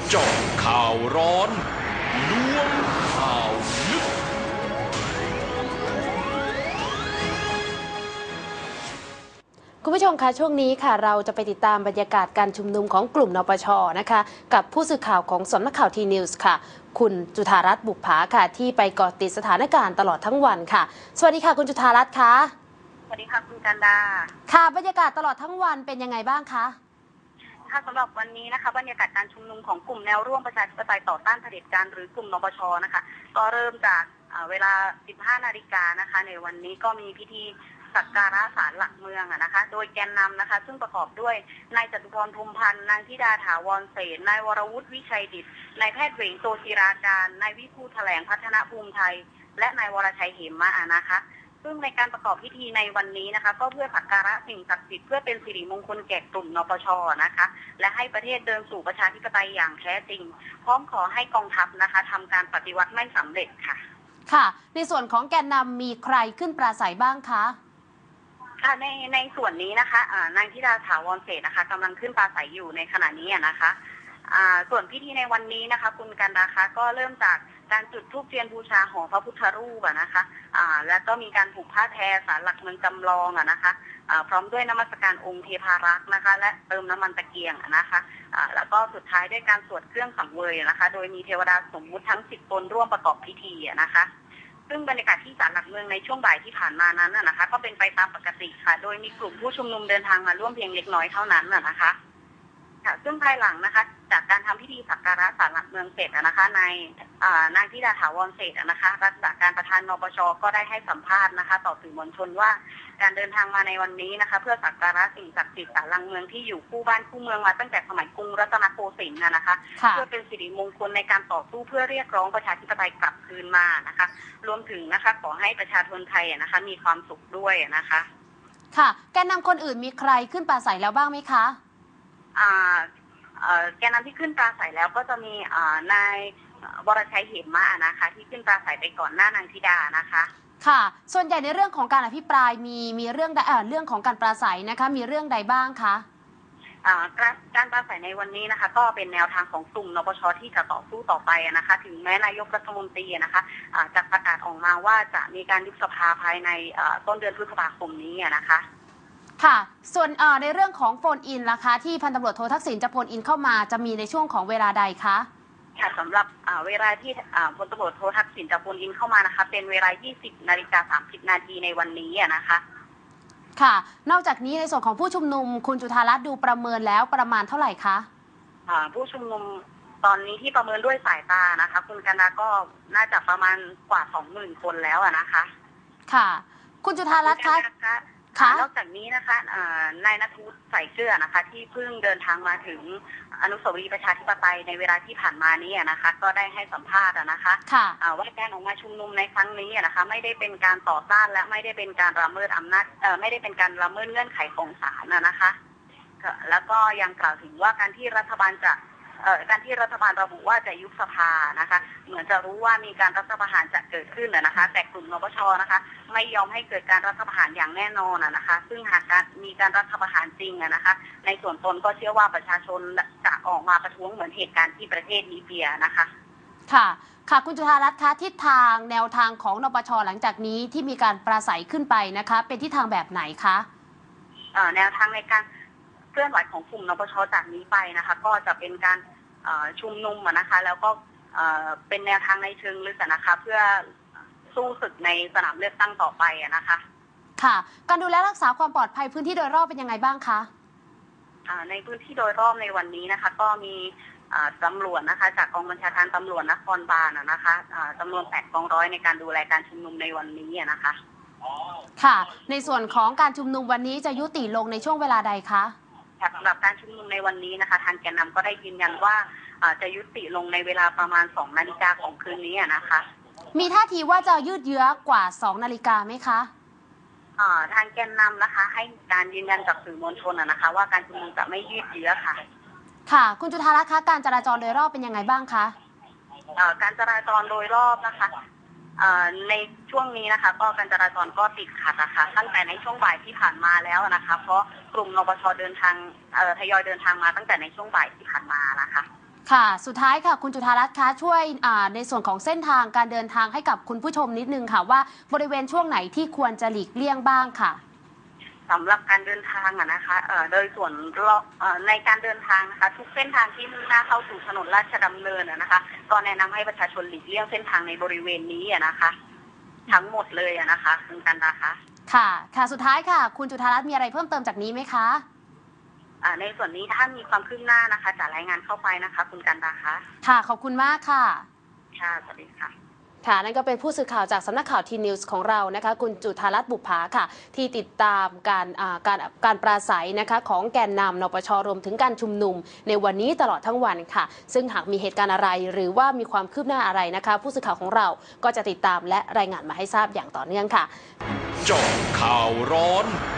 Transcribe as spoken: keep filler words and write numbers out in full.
เจาะข่าวร้อนล้วงข่าวลึกคุณผู้ชมคะช่วงนี้ค่ะเราจะไปติดตามบรรยากาศการชุมนุมของกลุ่มนปช.นะคะกับผู้สื่อข่าวของสำนักข่าวทีนิวส์ค่ะคุณจุธารัตน์บุปผาค่ะที่ไปเกาะติดสถานการณ์ตลอดทั้งวันค่ะสวัสดีค่ะคุณจุธารัตน์ค่ะสวัสดีค่ะคุณกันดาค่ะบรรยากาศตลอดทั้งวันเป็นยังไงบ้างคะค่ะสำหรับวันนี้นะคะบรรยากาศการชุมนุมของกลุ่มแนวร่วมประชาธิปไตยต่อต้านเผด็จการหรือกลุ่มนปช.นะคะก็เริ่มจากเวลา สิบห้านาฬิกานะคะในวันนี้ก็มีพิธีสักการะศาลหลักเมืองนะคะโดยแกนนำนะคะซึ่งประกอบด้วยนายจตุพรพรหมพันธ์นางธิดาถาวรเสนนายวรวุฒิวิชัยดิษฐ์นายแพทย์เหวงโตศิราการนายวิภูแถลงพัฒนภูมิไทยและนายวรชัยเหมมะนะคะซึ่งในการประกอบพิธีในวันนี้นะคะก็เพื่อสักการะสิ่งศักดิ์สิทธิ์เพื่อเป็นสิริมงคลแก่กลุ่มนปช.นะคะและให้ประเทศเดินสู่ประชาธิปไตยอย่างแท้จริงพร้อมขอให้กองทัพนะคะทำการปฏิวัติไม่สำเร็จค่ะค่ะในส่วนของแกนนำมีใครขึ้นปราศัยบ้างคะค่ะในในส่วนนี้นะคะนางธิดาถาวรเสนนะคะกำลังขึ้นปราศัยอยู่ในขณะนี้นะคะส่วนพิธีในวันนี้นะคะคุณกันดาคะก็เริ่มจากการจุดธูปเทียนบูชาหอพระพุทธรูปนะคะแล้วก็มีการผูกผ้าแทศาลหลักเมืองจำลองนะคะพร้อมด้วยนมัสการองค์เทพารักษ์นะคะและเติมน้ำมันตะเกียงนะคะแล้วก็สุดท้ายด้วยการสวดเครื่องสังเวยนะคะโดยมีเทวดาสมมุติทั้งสิบตนร่วมประกอบพิธีนะคะซึ่งบรรยากาศที่ศาลหลักเมืองในช่วงบ่ายที่ผ่านมานั้นนะคะก็เป็นไปตามปกติค่ะโดยมีกลุ่มผู้ชุมนุมเดินทางมาร่วมเพียงเล็กน้อยเท่านั้นนะคะซึ่งภายหลังนะคะจากการทำพิธีสักการะศาลหลักเมืองเสร็จนะคะในนางธิดาถาวรเสร็จนะคะรักษาการประธานนปช.ก็ได้ให้สัมภาษณ์นะคะต่อสื่อมวลชนว่าการเดินทางมาในวันนี้นะคะเพื่อสักการะสิ่งศักดิ์สิทธิ์ศาลหลักเมืองที่อยู่คู่บ้านคู่เมืองมาตั้งแต่สมัยกรุงรัตนโกสินทร์นะคะเพื่อเป็นสิริมงคลในการต่อสู้เพื่อเรียกร้องประชาธิปไตยกลับคืนมานะคะรวมถึงนะคะขอให้ประชาชนไทยนะคะมีความสุขด้วยนะคะค่ะแกนนำคนอื่นมีใครขึ้นปราศัยแล้วบ้างไหมคะอ่าแกนนำที่ขึ้นปราศัยแล้วก็จะมีนายวรชัยเหมมะนะคะที่ขึ้นปราศัยไปก่อนหน้านางธิดานะคะค่ะส่วนใหญ่ในเรื่องของการอภิปรายมีมีเรื่องเอ่อเรื่องของการปราศัยนะคะมีเรื่องใดบ้างคะการปราศัยในวันนี้นะคะก็เป็นแนวทางของกลุ่มนปช.ที่จะต่อสู้ต่อไปนะคะถึงแม้นายกรัฐมนตรีนะคะจะประกาศออกมาว่าจะมีการยุบสภาภายในต้นเดือนพฤษภาคมนี้นะคะค่ะส่วนในเรื่องของโฟนอินล่ะคะที่พันตำรวจโททักษิณจะโฟนอินเข้ามาจะมีในช่วงของเวลาใดคะค่ะสำหรับเวลาที่พลตำรวจโททักษิณจะโฟนอินเข้ามานะคะเป็นเวลา ยี่สิบนาฬิกาสามสิบนาทีในวันนี้นะคะค่ะนอกจากนี้ในส่วนของผู้ชุมนุมคุณจุธารัตน์ดูประเมินแล้วประมาณเท่าไหร่คะผู้ชุมนุมตอนนี้ที่ประเมินด้วยสายตานะคะคุณกันดาก็น่าจะประมาณกว่า สองหมื่น คนแล้วนะคะค่ะคุณจุธารัตน์คะนอกจากนี้นะคะนายณัฐวุฒิใส่เกลือนะคะที่เพิ่งเดินทางมาถึงอนุสาวรีย์ประชาธิปไตยในเวลาที่ผ่านมานี้นะคะก็ได้ให้สัมภาษณ์นะคะว่าการออกมาชุมนุมในครั้งนี้นะคะไม่ได้เป็นการต่อต้านและไม่ได้เป็นการละเมิดอำนาจไม่ได้เป็นการละเมิดเงื่อนไขของศาลนะคะแล้วก็ยังกล่าวถึงว่าการที่รัฐบาลจะการที่รัฐบาลระบุว่าจะยุบสภานะคะเหมือนจะรู้ว่ามีการรัฐประหารจะเกิดขึ้นนะคะแต่กลุ่มนปช.นะคะไม่ยอมให้เกิดการรัฐประหารอย่างแน่นอนนะคะซึ่งหากการมีการรัฐประหารจริงนะคะในส่วนตนก็เชื่อว่าประชาชนจะออกมาประท้วงเหมือนเหตุการณ์ที่ประเทศลิเบียนะคะค่ะค่ะคุณจุธารัตน์คะทิศทางแนวทางของนปช.หลังจากนี้ที่มีการปราศัยขึ้นไปนะคะเป็นทิศทางแบบไหนคะแนวทางในการเคลื่อนไหวของกลุ่มนปช.จากนี้ไปนะคะก็จะเป็นการชุมนุมนะคะแล้วก็เป็นแนวทางในเชิงลึกนะคะเพื่อสู้ศึกในสนามเลือกตั้งต่อไปนะคะค่ะการดูแลรักษาความปลอดภัยพื้นที่โดยรอบเป็นยังไงบ้างคะในพื้นที่โดยรอบในวันนี้นะคะก็มีตำรวจนะคะจากกองบัญชาการตำรวจนครบาลนะคะจำนวนแปดกองร้อยในการดูแลการชุมนุมในวันนี้นะคะค่ะในส่วนของการชุมนุมวันนี้จะยุติลงในช่วงเวลาใดคะสำหรับการชุมนุมในวันนี้นะคะทางแกนนำก็ได้ยืนยันว่าจะยุติลงในเวลาประมาณสองนาฬิกาของคืนนี้นะคะมีท่าทีว่าจะยืดเยื้อกว่าสองนาฬิกาไหมคะทางแกนนำนะคะให้การยืนยันจากสื่อมวลชนนะคะว่าการชุมนุมจะไม่ยืดเยื้อค่ะค่ะคุณจุธารัตน์คะการจราจรโดยรอบเป็นยังไงบ้างคะการจราจรโดยรอบนะคะในช่วงนี้นะคะก็การจราจรก็ติดขัดนะคะตั้งแต่ในช่วงบ่ายที่ผ่านมาแล้วนะคะเพราะกลุ่มนปช.เดินทางทยอยเดินทางมาตั้งแต่ในช่วงบ่ายที่ผ่านมานะคะค่ะสุดท้ายค่ะคุณจุฑารัตน์คะช่วยในส่วนของเส้นทางการเดินทางให้กับคุณผู้ชมนิดนึงค่ะว่าบริเวณช่วงไหนที่ควรจะหลีกเลี่ยงบ้างค่ะสำหรับการเดินทางอะนะคะเอ่อโดยส่วนในการเดินทางนะคะทุกเส้นทางที่มุ่งหน้าเข้าสู่ถนนราชดำเนินอะนะคะก็แนะนำให้ประชาชนหลีกเลี่ยงเส้นทางในบริเวณนี้อะนะคะทั้งหมดเลยอะนะคะคุณกันนะคะค่ะค่ะสุดท้ายค่ะคุณจุฑารัตน์มีอะไรเพิ่มเติมจากนี้ไหมคะในส่วนนี้ถ้ามีความคืบหน้านะคะจะรายงานเข้าไปนะคะคุณกันดาคะค่ะขอบคุณมากค่ะค่ะสวัสดีค่ะค่ะนั่นก็เป็นผู้สื่อข่าวจากสำนักข่าวทีนิวส์ของเรานะคะคุณจุฑารัตน์บุภาค่ะที่ติดตามการการการปราศัยนะคะของแกนนำนปช.รวมถึงการชุมนุมในวันนี้ตลอดทั้งวันค่ะซึ่งหากมีเหตุการณ์อะไรหรือว่ามีความคืบหน้าอะไรนะคะผู้สื่อข่าวของเราก็จะติดตามและรายงานมาให้ทราบอย่างต่อเนื่องค่ะเจาะข่าวร้อน